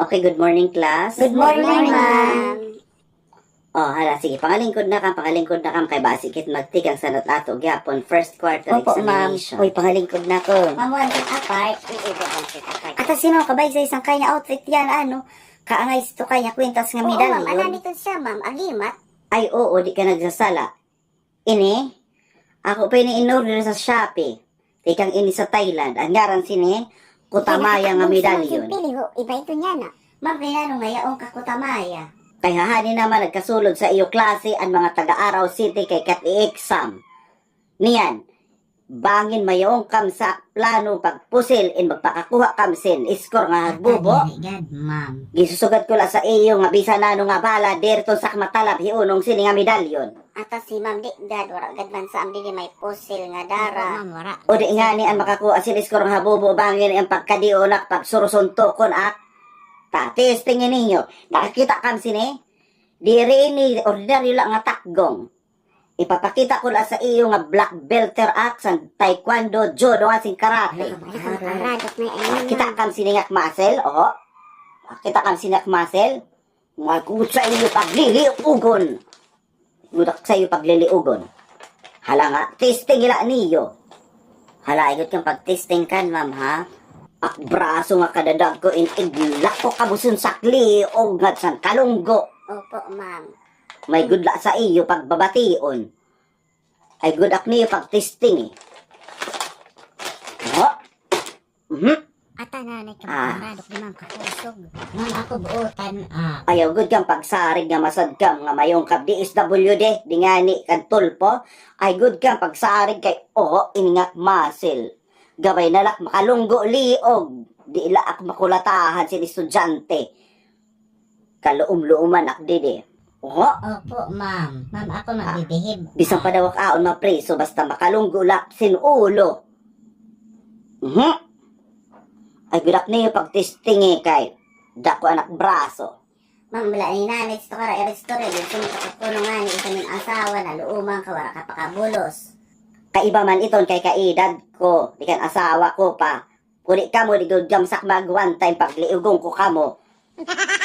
Okay, good morning, class. Good morning, ma'am. Oh, hala, sige, pangalingkod na kam, kay basikit magtikang sanat ato, gyapon, first quarter Opo, ma'am. examination. Uy, pangalingkod na ko. Ma'am, one thing apart, iiba ang kita kay. Ata sino kabay sa isang kanya outfit yan, ano? Kaangay sa to kanya kwintas nga Oo, ma'am, medalyon. ana nito siya, ma'am, agimat. Ay, oo, di ka nagsasala. Ini, ako pa ini-in-order sa Shopee. Tikang ini sa Thailand. Ang ngaran sini, kutamaya nga medalyon. Pili ho, iba ito niya na. Ma'am, kaya nung ngayaong kakutamaya. Kay hahani naman nagkasulod sa iyo klase ang mga taga-Araw City kay kat i-exam. Niyan, bangin mayong kam sa plano pagpusil in magpakakuha kam sin iskor nga bubo. God, ma'am. Gisusugat ko la sa iyo nga bisa nano nga bala derto sa matalab hiunong sini nga medalyon. Ata si ma'am, di dad, wala gadman sa amdi may pusil nga dara. Ma'am, wala. O di nga ni ang makakuha sin iskor nga bubo bangin ang pagkadionak pagsurusuntokon at tatis tingin ninyo. Nakakita kam sini? Diri ni ordinaryo lang nga takgong. Ipapakita ko lang sa iyo nga black belter action, taekwondo, judo, asing karate. Kita kam siningak muscle, oh. Kita kam siningak muscle. Magkut sa iyo pagliliugon. Gudak sa iyo pagliliugon. Hala nga, testing ila niyo. Hala, igot kang pag-testing kan, ma'am, ha? Ak braso nga kadadag ko in iglak ko kabusun sakli o nga san kalunggo. Opo, ma'am. May good luck sa iyo pagbabation. Ay good luck niyo pag-testing eh. Oh. Ata na Ah. nagkaparadok ni ma'am kakusog. Ma'am, ako buotan, Ayaw good kang pagsarig nga masadkam nga mayong kap DSWD, di nga ni kantulpo. Ay good kang pagsarig kay iningak muscle. Gabay nalak makalunggo liog. Di ilaak makulatahan sin estudyante. Kaluum-luuman ak didi. Opo, ma'am. Ma'am, ako magbibihib. Bisang padawak aon mapreso basta makalunggo lak sin ulo. Ay gudak niyo pag-testing eh kay dako anak braso. Ma'am, wala ni nanay ito kara erestorya. Dito mo kapuno nga ni isa ng asawa na luumang kawara ka pakabulos. Kaiba man iton kay kaedad ko, di kan asawa ko pa. Kuni ka mo di gud gamsak mag one time pagliugong ko kamo.